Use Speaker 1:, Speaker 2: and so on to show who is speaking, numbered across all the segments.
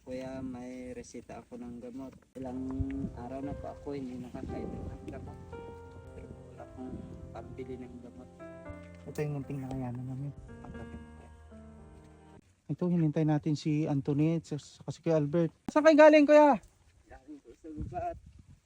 Speaker 1: Kuya, may resita ako ng gamot. Ilang araw na po ako hindi nakakainom ng gamot. Pero wala akong pambili ng gamot.
Speaker 2: Ito yung munting nakayanan namin.
Speaker 1: Tanggapin ko kaya.
Speaker 2: Ito, hinintay natin si Antoinette saka si Kuya Albert. Saan kayo galing, Kuya?
Speaker 1: Galing po sa baba at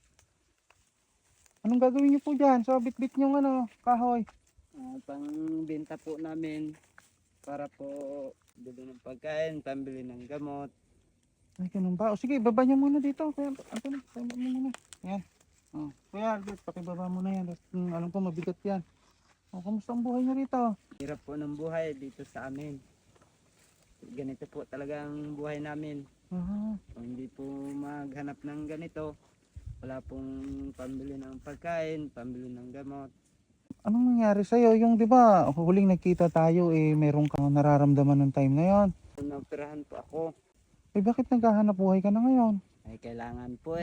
Speaker 2: Anong gagawin niyo po dyan? So, bit-bit niyong kahoy.
Speaker 1: pangbenta po namin para po bili ng pagkain, pambili ng gamot.
Speaker 2: Ay, ganun ba? O sige, baba niyo muna dito. Kuya Antoinette, baba mo muna. Yan. Oh, Kuya Albert, pakibaba mo na yan. Alam ko, mabigat yan. O, kamusta ang buhay niyo rito?
Speaker 1: Hirap po ng buhay dito sa amin. Ganito po talaga ang buhay namin.
Speaker 2: Aha.
Speaker 1: Kung hindi po maghanap ng ganito, wala pong pambili ng pagkain, pambili ng gamot.
Speaker 2: Anong nangyari sa'yo? Yung, di ba, huling nagkita tayo, meron kang nararamdaman ng time na yon.
Speaker 1: Naoperahan po ako.
Speaker 2: Bakit naghahanap buhay ka na ngayon?
Speaker 1: Ay kailangan po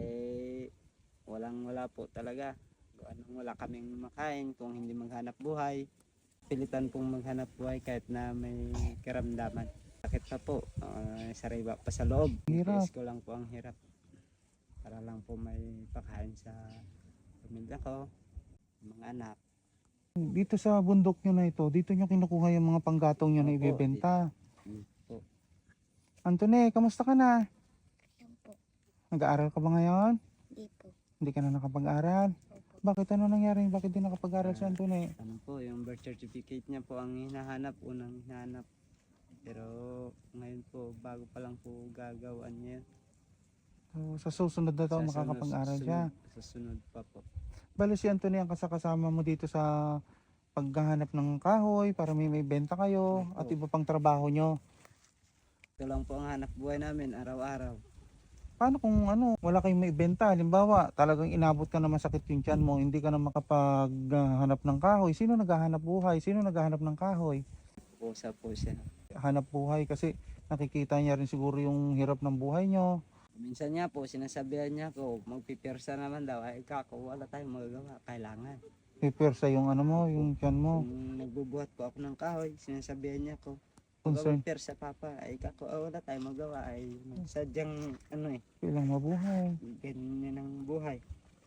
Speaker 1: walang-wala po talaga. Anong wala kaming makain kung hindi maghanap buhay. Pilitan pong maghanap buhay kahit na may karamdaman. Sakit pa po, sariwa pa sa loob.
Speaker 2: Hirap.
Speaker 1: Tiis ko lang po ang hirap. Para lang po may pakain sa pamilya ko, mga anak.
Speaker 2: Dito sa bundok nyo na ito, dito nyo kinukuha yung mga panggatong nyo na
Speaker 1: Opo,
Speaker 2: ibebenta.
Speaker 1: Po.
Speaker 2: Antone, kamusta ka na?
Speaker 3: Yan po.
Speaker 2: Nag-aaral ka ba ngayon?
Speaker 3: Di po.
Speaker 2: Hindi ka na nakapag-aral?
Speaker 3: Opo.
Speaker 2: Bakit? Ano nangyari? Bakit di nakapag-aral si Antone?
Speaker 1: Ano po, yung birth certificate niya po ang hinahanap, unang hinahanap. Pero ngayon po, bago pa lang po gagawin niya.
Speaker 2: So, sa susunod na taon makakapag-aral siya.
Speaker 1: Sa sunod pa po.
Speaker 2: Bale si Antone ang kasama mo dito sa paghahanap ng kahoy para may benta kayo
Speaker 1: Opo.
Speaker 2: at iba pang trabaho nyo.
Speaker 1: Ito lang po ang hanap buhay namin araw-araw.
Speaker 2: Paano kung wala kayong may benta? Halimbawa, talagang inabot ka na masakit yung tiyan mo, hindi ka na makapaghanap ng kahoy. Sino naghahanap buhay? Sino naghahanap ng kahoy?
Speaker 1: Pusa po siya.
Speaker 2: Hanap buhay kasi nakikita niya rin siguro yung hirap ng buhay nyo.
Speaker 1: Minsan niya po, sinasabihan niya ko, magpipirsa naman daw. Ay kako, wala tayong magagawa. Kailangan.
Speaker 2: Pipersa yung yung tiyan mo.
Speaker 1: Kung nagbubuhat po ako ng kahoy, sinasabihan niya ko,
Speaker 2: Concern.
Speaker 1: magpipirsa papa. Ay kako, wala tayong magawa. Ay sadyang
Speaker 2: Kailang mabuhay.
Speaker 1: ganyan ang buhay.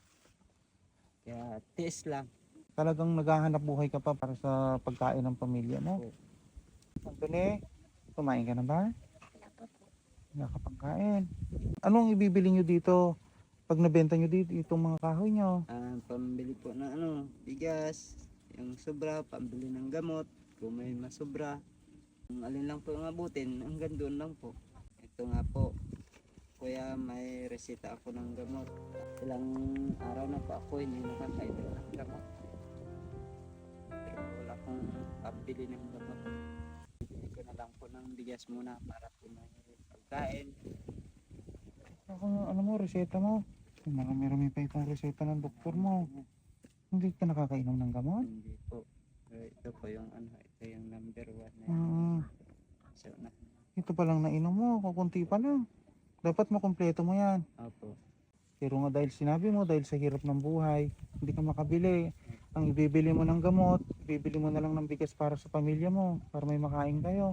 Speaker 1: Kaya tiis lang.
Speaker 2: Talagang naghahanap buhay ka pa para sa pagkain ng pamilya mo.
Speaker 1: Oo.
Speaker 2: Antone, kumain ka na ba?
Speaker 3: Wala pa po.
Speaker 2: Nakapagkain. Anong ibibili nyo dito? Pag nabenta nyo dito, itong mga kahoy nyo.
Speaker 1: Pambili po ng bigas, yung sobra, pambili ng gamot, kung may masobra. Kung alin lang po yung abutin, hanggang doon lang po. Ito nga po, kuya, may resita ako ng gamot. Ilang araw na po ako hindi nakakainom ng gamot. Pero wala akong pambili ng gamot. Bili ko na lang po ng bigas muna para po may pagkain.
Speaker 2: Ano mo, reseta mo? Marami-rami pa itong reseta ng doktor mo. Hindi ka nakakainom ng gamot?
Speaker 1: Hindi po. Ito po yung ito yung number 1 na
Speaker 2: Ah,
Speaker 1: so, na.
Speaker 2: ito pa lang nainom mo, kukunti pa lang. Dapat makumpleto mo yan.
Speaker 1: Opo.
Speaker 2: Pero nga dahil sinabi mo, dahil sa hirap ng buhay, hindi ka makabili. Ang ibibili mo ng gamot, ibibili mo na lang ng bigas para sa pamilya mo, para may makain kayo.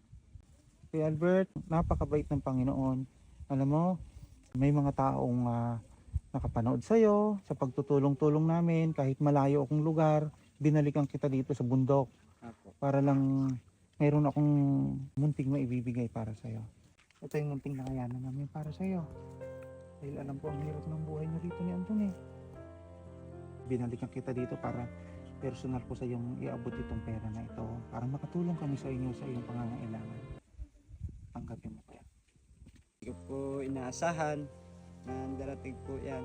Speaker 2: Si Albert, napakabait ng Panginoon. Alam mo, may mga taong nakapanood sa'yo sa pagtutulong-tulong namin, kahit malayo akong lugar, binalikan kita dito sa bundok
Speaker 1: Opo.
Speaker 2: para lang mayroon akong munting maibibigay para sa'yo. Ito yung munting nakayanan namin para sa'yo. Dahil alam ko ang hirap ng buhay niyo dito ni Anthony. Binalikan kita dito para personal ko sa iyong iabot itong pera na ito para makatulong kami sa inyo sa iyong pangangailangan. Tanggapin mo kaya.
Speaker 1: Hindi ko po inaasahan na darating po yan.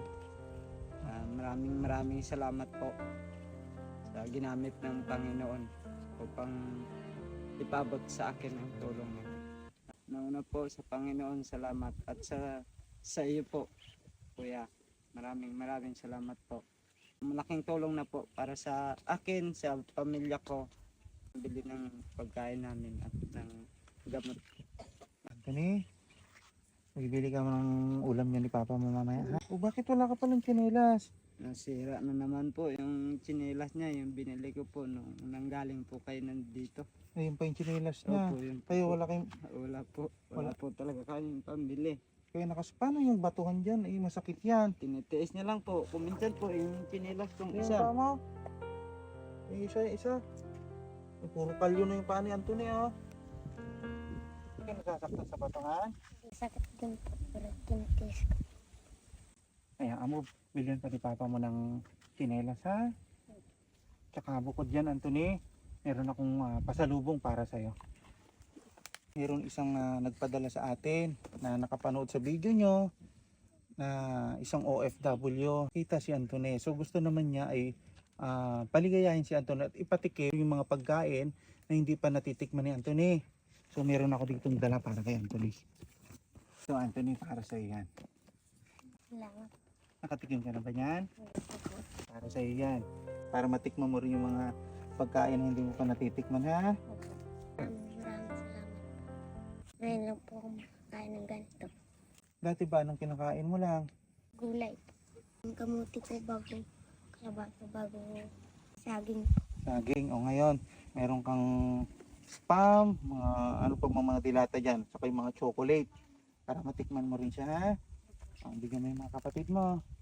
Speaker 1: Maraming salamat po sa ginamit ng Panginoon upang ipabot sa akin ang tulong niya. Nauna po sa Panginoon salamat at sa iyo po, kuya. Maraming salamat po. Malaking tulong na po para sa akin, sa pamilya ko. Bili ng pagkain namin at ng gamot.
Speaker 2: Anthony, bibili ka ng ulam niya ni Papa mo mamaya. Ha? O bakit wala ka palang tsinelas?
Speaker 1: Nasira na naman po yung tsinelas niya, yung binili ko po nung nanggaling po kayo nandito.
Speaker 2: Ayun pa yung tsinelas niya.
Speaker 1: Opo, yun po.
Speaker 2: Kayo wala kayong,
Speaker 1: Wala po. Wala po talaga kayong pambili.
Speaker 2: kaya paano yung batuhan dyan? Eh, masakit yan.
Speaker 1: Tinitiis niya lang po. Kuminsan po yung tsinelas kong
Speaker 2: Yung
Speaker 1: isa.
Speaker 2: paa mo. Yung isa. Yung puro kalyo na yung paa ni Anthony, oh. Hindi ka nasasaktan sa batuhan.
Speaker 3: Sakit din po, pero tinitiis ko.
Speaker 2: Kaya amo, bilhin pa ni Papa mo ng tsinelas, ha? Tsaka bukod dyan, Anthony, meron akong pasalubong para sa'yo. Meron isang nagpadala sa atin na nakapanood sa video nyo na isang OFW. Kita si Anthony. So gusto naman niya ay paligayahin si Anthony at ipatikim yung mga pagkain na hindi pa natitikman ni Anthony. So meron ako dito dala para kay Anthony. So Anthony, para sa yan.
Speaker 3: Salamat
Speaker 2: Nakatikim ka na ba yan?
Speaker 3: po.
Speaker 2: Para sa yan. Para matikman mo rin yung mga pagkain na hindi mo pa natitikman, ha?
Speaker 3: Maraming salamat. Ngayon lang po ako makakain ng ganito.
Speaker 2: Dati ba anong kinakain mo lang?
Speaker 3: Gulay. Ang kamuti po bago kalabasa, bago saging.
Speaker 2: Saging. O ngayon, meron kang spam, mga ano pa mga dilata dyan, saka yung mga chocolate. Para matikman mo rin siya, ha? Bigyan mo yung mga kapatid mo.